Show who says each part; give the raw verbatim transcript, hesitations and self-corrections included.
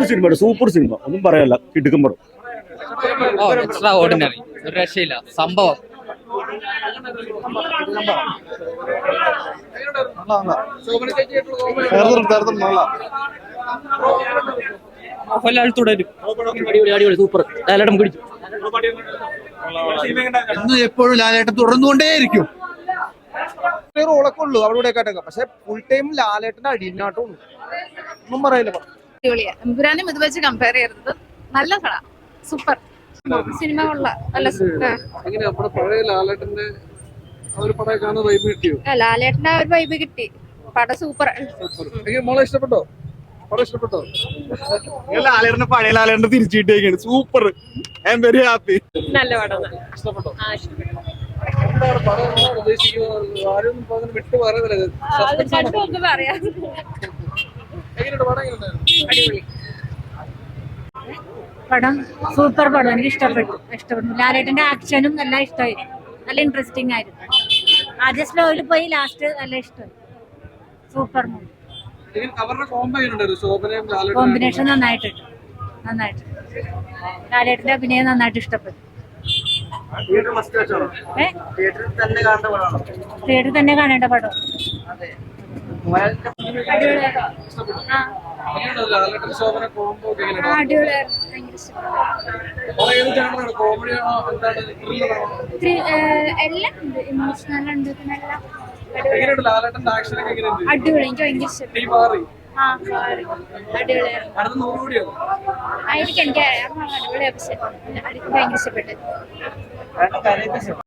Speaker 1: Cinema, super cinema, ഒന്നും പറയാല്ല. കിടുക്കം പടം.
Speaker 2: Extra ordinary, ഒരു രക്ഷയില്ല. സംഭവം മോഹൻലാൽ തുടരും.
Speaker 3: സൂപ്പർ. ലാലേട്ടൻ പിടിച്ചു.
Speaker 4: എന്നും എപ്പോഴും ലാലേട്ടൻ തുടർന്നുകൊണ്ടേയിരിക്കും.
Speaker 5: റോളൊക്കെ ഉള്ളൂ അവിടെ കേട്ടൊക്കെ, പക്ഷെ ഫുൾ ടൈം ലാലേട്ടന്റെ അടിനാട്ടം ഉള്ളൂ. ഒന്നും പറയില്ല.
Speaker 6: എമ്പുരാനും ഇത് വെച്ച് കമ്പയർ ചെയ്തത് നല്ല കട, സൂപ്പർ സിനിമ കൊള്ള. നല്ല
Speaker 5: ലാലേട്ടന്റെ ഒരു
Speaker 6: ലാലേട്ടന്റെ ഒരു വൈബ് കിട്ടി. പടം സൂപ്പർ.
Speaker 5: മോളെ ഇഷ്ടപ്പെട്ടോ? പടം ഇഷ്ടപ്പെട്ടോ?
Speaker 1: ലാലേട്ടന്റെ പഴയ ലാലേട്ടന്റെ തിരിച്ചു കിട്ടിയേക്കാണ്. Super. I'm very happy.
Speaker 6: നല്ല പടം.
Speaker 5: ഇഷ്ടപ്പെട്ടോ? എന്താണ് പടം ഉദ്ദേശിക്കുന്നത്? ആരും വിട്ടു പറയുന്നില്ല.
Speaker 6: പറയാം.
Speaker 5: എങ്ങനെയുണ്ട് പടം? എങ്ങനെയുണ്ടായിരുന്നു?
Speaker 7: പടം സൂപ്പർ പടം. എനിക്ക് ഇഷ്ടപ്പെട്ടു ഇഷ്ടപ്പെട്ടു ലാലേട്ടന്റെ ആക്ഷനും നല്ല ഇഷ്ടമായി. നല്ല ഇൻട്രസ്റ്റിംഗ് ആയിരുന്നു. ആദ്യം സ്ലോയിൽ പോയി, ലാസ്റ്റ് നല്ല ഇഷ്ടമായി. Super movie. കോമ്പിനേഷൻ നന്നായിട്ടുണ്ട്. നന്നായിട്ട് ലാലേട്ടന്റെ അഭിനയം നന്നായിട്ട് ഇഷ്ടപ്പെട്ടു. തിയേറ്ററിൽ തന്നെ കാണേണ്ട പടം.
Speaker 6: എല്ലാം ഉണ്ട്. ഇമോഷണൽ ഉണ്ട്.
Speaker 5: അടിപൊളി.
Speaker 6: എനിക്ക് ഭയങ്കര ഇഷ്ടപ്പെട്ടു. ആയിരിക്കും. എനിക്ക് അടിപൊളി എപ്പിസോഡ്. എനിക്ക് ഭയങ്കര ഇഷ്ടപ്പെട്ടു.